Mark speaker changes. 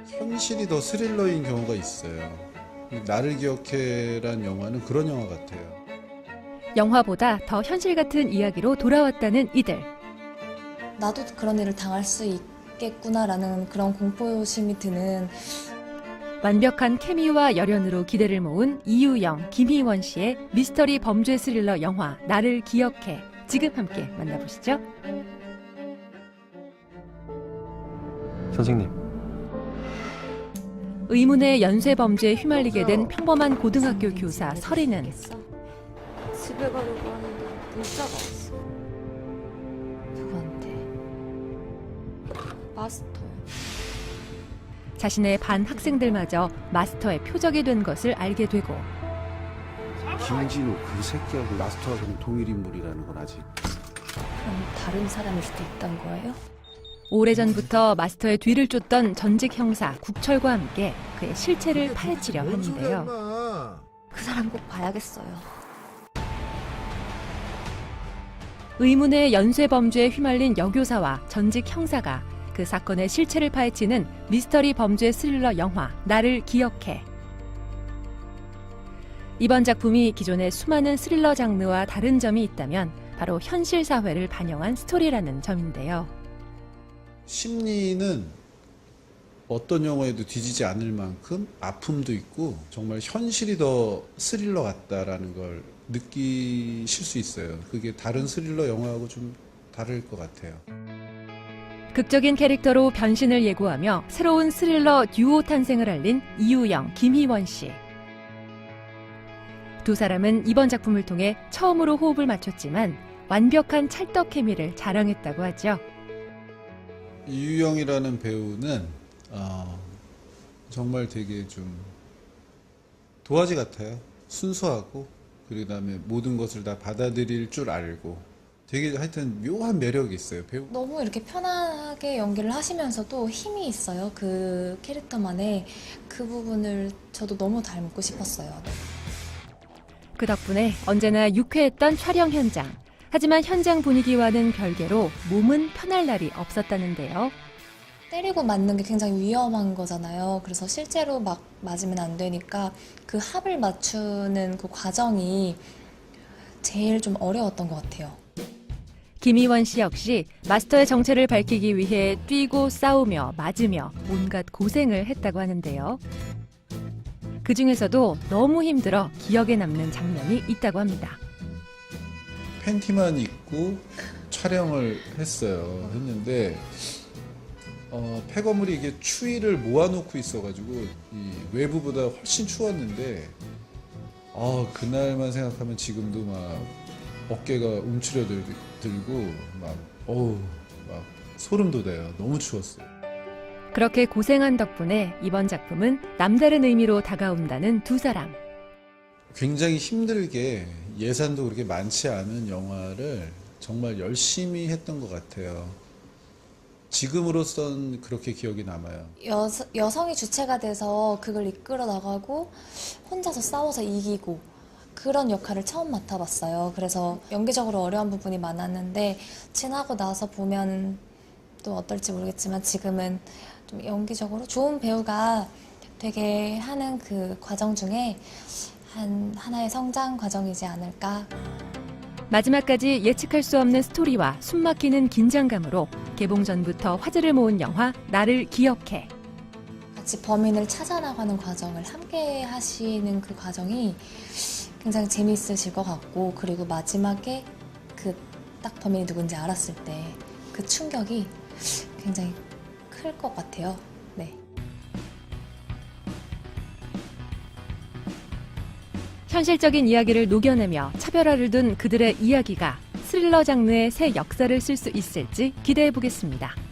Speaker 1: 현실이 더 스릴러인 경우가 있어요. 나를 기억해란 영화는 그런 영화 같아요.
Speaker 2: 영화보다 더 현실 같은 이야기로 돌아왔다는 이들.
Speaker 3: 나도 그런 일을 당할 수 있겠구나라는 그런 공포심이 드는
Speaker 2: 완벽한 케미와 열연으로 기대를 모은 이유영, 김희원 씨의 미스터리 범죄 스릴러 영화 나를 기억해. 지금 함께 만나보시죠.
Speaker 4: 선생님.
Speaker 2: 의문의 연쇄 범죄에 휘말리게 된 평범한 고등학교 교사 설이는
Speaker 5: 집에 가려고 하는데 문자가 왔어.
Speaker 3: 누구한테.
Speaker 5: 마스터요.
Speaker 2: 자신의 반 학생들마저 마스터의 표적이 된 것을 알게 되고
Speaker 6: 김진우 그 새끼하고 마스터하고는 동일 인물이라는 건 아직.
Speaker 3: 그럼 다른 사람일 수도 있단 거예요?
Speaker 2: 오래전부터 마스터의 뒤를 쫓던 전직 형사 국철과 함께 그의 실체를 파헤치려 하는데요.
Speaker 5: 그 사람 꼭 봐야겠어요.
Speaker 2: 의문의 연쇄 범죄에 휘말린 여교사와 전직 형사가 그 사건의 실체를 파헤치는 미스터리 범죄 스릴러 영화 나를 기억해. 이번 작품이 기존의 수많은 스릴러 장르와 다른 점이 있다면 바로 현실 사회를 반영한 스토리라는 점인데요.
Speaker 1: 심리는 어떤 영화에도 뒤지지 않을 만큼 아픔도 있고 정말 현실이 더 스릴러 같다라는 걸 느끼실 수 있어요. 그게 다른 스릴러 영화하고 좀 다를 것 같아요.
Speaker 2: 극적인 캐릭터로 변신을 예고하며 새로운 스릴러 듀오 탄생을 알린 이유영, 김희원 씨. 두 사람은 이번 작품을 통해 처음으로 호흡을 맞췄지만 완벽한 찰떡 케미를 자랑했다고 하죠.
Speaker 1: 이유영이라는 배우는 정말 되게 좀 도화지 같아요. 순수하고 그다음에 모든 것을 다 받아들일 줄 알고 되게 하여튼 묘한 매력이 있어요. 배우.
Speaker 3: 너무 이렇게 편안하게 연기를 하시면서도 힘이 있어요. 그 캐릭터만의 그 부분을 저도 너무 닮고 싶었어요.
Speaker 2: 그 덕분에 언제나 유쾌했던 촬영 현장. 하지만 현장 분위기와는 별개로 몸은 편할 날이 없었다는데요.
Speaker 3: 때리고 맞는 게 굉장히 위험한 거잖아요. 그래서 실제로 막 맞으면 안 되니까 그 합을 맞추는 그 과정이 제일 좀 어려웠던 것 같아요.
Speaker 2: 김희원 씨 역시 마스터의 정체를 밝히기 위해 뛰고 싸우며 맞으며 온갖 고생을 했다고 하는데요. 그 중에서도 너무 힘들어 기억에 남는 장면이 있다고 합니다.
Speaker 1: 팬티만 입고 촬영을 했는데 폐거물이 이게 추위를 모아놓고 있어가지고 이 외부보다 훨씬 추웠는데 그날만 생각하면 지금도 막 어깨가 움츠려들고 막 소름 돋아요. 너무 추웠어요.
Speaker 2: 그렇게 고생한 덕분에 이번 작품은 남다른 의미로 다가온다는 두 사람.
Speaker 1: 굉장히 힘들게 예산도 그렇게 많지 않은 영화를 정말 열심히 했던 것 같아요. 지금으로선 그렇게 기억이 남아요.
Speaker 3: 여성이 주체가 돼서 그걸 이끌어 나가고 혼자서 싸워서 이기고 그런 역할을 처음 맡아봤어요. 그래서 연기적으로 어려운 부분이 많았는데 지나고 나서 보면 또 어떨지 모르겠지만 지금은 좀 연기적으로 좋은 배우가 되게 하는 그 과정 중에 하나의 성장 과정이지 않을까.
Speaker 2: 마지막까지 예측할 수 없는 스토리와 숨막히는 긴장감으로 개봉 전부터 화제를 모은 영화 나를 기억해.
Speaker 3: 같이 범인을 찾아나가는 과정을 함께 하시는 그 과정이 굉장히 재미있으실 것 같고, 그리고 마지막에 그 딱 범인이 누군지 알았을 때 그 충격이 굉장히 클 것 같아요. 네.
Speaker 2: 현실적인 이야기를 녹여내며 차별화를 둔 그들의 이야기가 스릴러 장르의 새 역사를 쓸 수 있을지 기대해 보겠습니다.